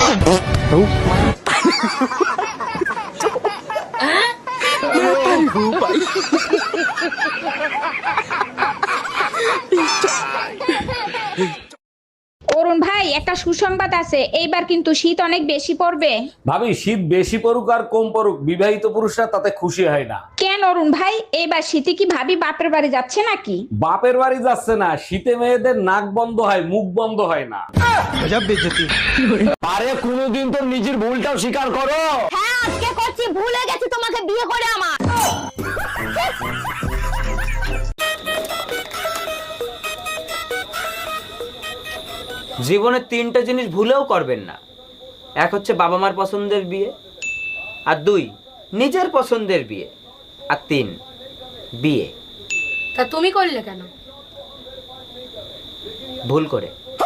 অরুণ ভাই, একটা সুসংবাদ আছে, এইবার কিন্তু শীত অনেক বেশি পড়বে। ভাবি, শীত বেশি পড়ুক আর কম পড়ুক, বিবাহিত পুরুষরা তাতে খুশি হয় না। কেন অরুণ ভাই, এইবার শীতে কি ভাবি বাপের বাড়ি যাচ্ছে নাকি? বাপের বাড়ি যাচ্ছে না, শীতে মেয়েদের নাক বন্ধ হয়, মুখ বন্ধ হয় না। আরে কোনোদিন তো নিজের ভুলটাও স্বীকার করো। হ্যাঁ আজকে করছি, ভুলে গেছি তোমাকে বিয়ে করে আমার। জীবনে তিনটা জিনিস ভুলেও করবেন না। এক হচ্ছে বাবা মার পছন্দের বিয়ে, আর দুই নিজের পছন্দের বিয়ে, আর তিন বিয়ে। তা তুমি করলে কেন? ভুল করে।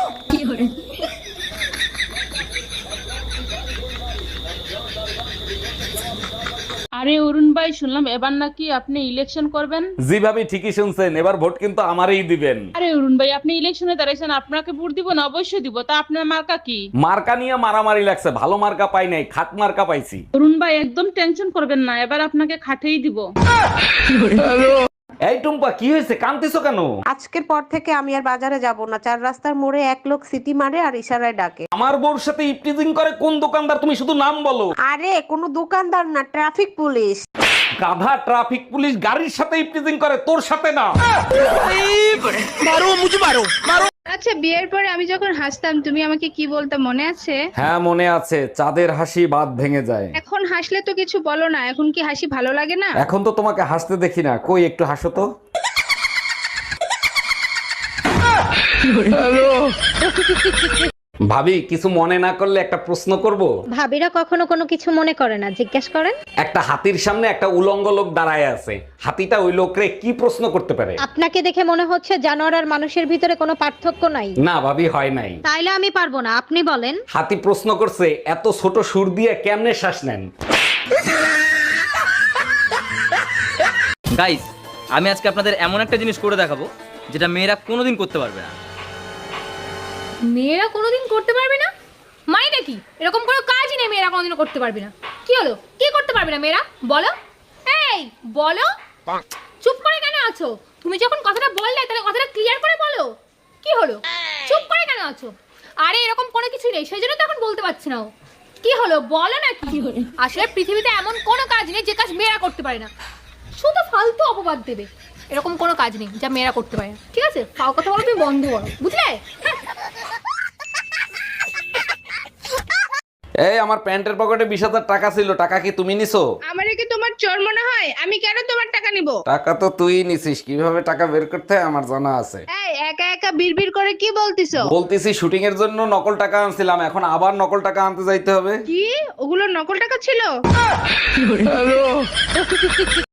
আরে অরুণ ভাই, শুনলাম এবার নাকি আপনি ইলেকশন করবেন। জি ভাবি, ঠিকই শুনছেন, এবার ভোট কিন্তু আমারই দিবেন। আরে অরুণ ভাই, আপনি ইলেকশনে দাঁড়াইছেন, আপনাকে ভোট দিব না? অবশ্যই দিব। তা আপনার মার্কা কি? মার্কা নিয়ে মারামারি লাগছে, ভালো মার্কা পাই নাই, খাট মার্কা পাইছি। অরুণ ভাই একদম টেনশন করবেন না, এবার আপনাকে খাটেই দিব। এই টুম্পা, কি হয়েছে, কাঁদতেছো কেন? আজকের পর থেকে আমি আর বাজারে যাব না। চার রাস্তার মোড়ে এক লোক সিটি মারে আর ইশারায় ডাকে। আমার বউর সাথে ইপটিজিং করে কোন দোকানদার, তুমি শুধু নাম বলো। আরে কোনো দোকানদার না, ট্রাফিক পুলিশ। গাধা, ট্রাফিক পুলিশ গাড়ির সাথে ইপটিজিং করে, তোর সাথে না। আচ্ছা, বিয়ের পরে আমি যখন হাসতাম তুমি আমাকে কি বলতে মনে আছে? হ্যাঁ মনে আছে, চাঁদের হাসি বাদ ভেঙে যায়। এখন হাসলে তো কিছু বলো না, এখন কি হাসি ভালো লাগে না? এখন তো তোমাকে হাসতে দেখি না, কই একটু হাসো তো। ভাবি, কিছু মনে না করলে একটা প্রশ্ন করব? ভাবিরা কখনো কোনো কিছু মনে করে না, জিজ্ঞেস করেন। একটা হাতির সামনে একটা উলঙ্গ লোক দাঁড়ায় আছে, হাতিটা ওই লোকরে কি প্রশ্ন করতে পারে? আপনাকে দেখে মনে হচ্ছে জানোয়ার আর মানুষের ভিতরে কোনো পার্থক্য নাই। না ভাবি, হয় নাই। তাইলে আমি পারবো না, আপনি বলেন। হাতি প্রশ্ন করছে, এত ছোট সুর দিয়ে কেমনে শ্বাস নেন? গাইস, আমি আজকে আপনাদের এমন একটা জিনিস করে দেখাবো যেটা মেয়েরা কোনোদিন করতে পারবে না। মেয়েরা কোনোদিন করতে পারবে না মানে নাকি? এরকম কোনো কাজই নেই মেয়েরা কোনোদিন করতে পারবে না। কি হলো, কি করতে পারবে না মেয়েরা? বলো, এই বলো। চুপ করে কেন আছো? তুমি যখন কথাটা বললে তাহলে কথাটা ক্লিয়ার করে বলো। কি হলো, চুপ করে কেন আছো? আরে এরকম কোনো কিছু নেই, সেই জন্য তো এখন বলতে পারছি না। কি হলো বলো না। কি আসলে পৃথিবীতে এমন কোনো কাজ নেই যে কাজ মেয়েরা করতে পারে না। শুধু ফালতু অপবাদ দেবে। এরকম কোনো কাজ নেই যা মেয়েরা করতে পারে না, ঠিক আছে? ফাও কথা বলো তুমি বন্ধ করো, বুঝলে? এই, আমার প্যান্টের পকেটে 20,000 টাকা ছিল, টাকা কি তুমি নিছো? আমারে কি তোমার চোর মনে হয়? আমি কেন তোমার টাকা নিব? টাকা তো তুই নিছিস, কিভাবে টাকা বের করতে হয় আমার জানা আছে। এই একা একা বিড়বিড় করে কি বলতিছো? বলতেছি শুটিং এর জন্য নকল টাকা আনছিলাম, এখন আবার নকল টাকা আনতে যাইতে হবে। কি ওগুলো নকল টাকা ছিল?